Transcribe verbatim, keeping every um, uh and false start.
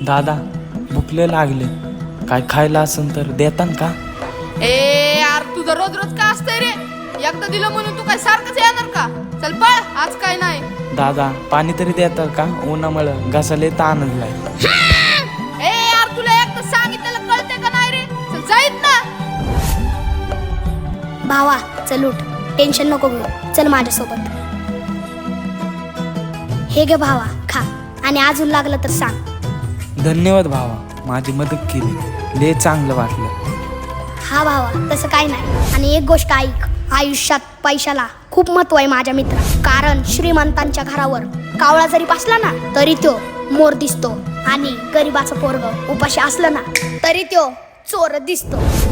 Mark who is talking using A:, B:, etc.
A: दादा भुकले लागले, काय खायला असेल तर देतान का?
B: ए यार तुझं रोज रोज का असतंय रे? एकदा दिलं म्हणून तू काय सारखंच येणार का? चल पळ, आज काय नाही.
A: दादा पाणी तरी देता का? उन्हामुळं घासाले ताण आणलाय.
B: ए यार तुला एकदा सांगितलेलं कळते का नाही रे? चल जाईत ना.
C: भावा चल उठ, टेन्शन नको घेऊ, चल माझ्यासोबत. हे गे भावा खा, आणि अजून लागलं तर सांग.
A: धन्यवाद भावा, माझी मदत केली, लय चांगलं वाटलं.
C: हा भावा तसं काय नाही. आणि एक गोष्ट ऐक, आयुष्यात पैशाला खूप महत्व आहे माझ्या मित्रा. कारण श्रीमंतांच्या घरावर कावळा जरी बसला ना तरी तो मोर दिसतो, आणि गरिबाचं पोरग उपाशी असलं ना तरी तो चोर दिसतो.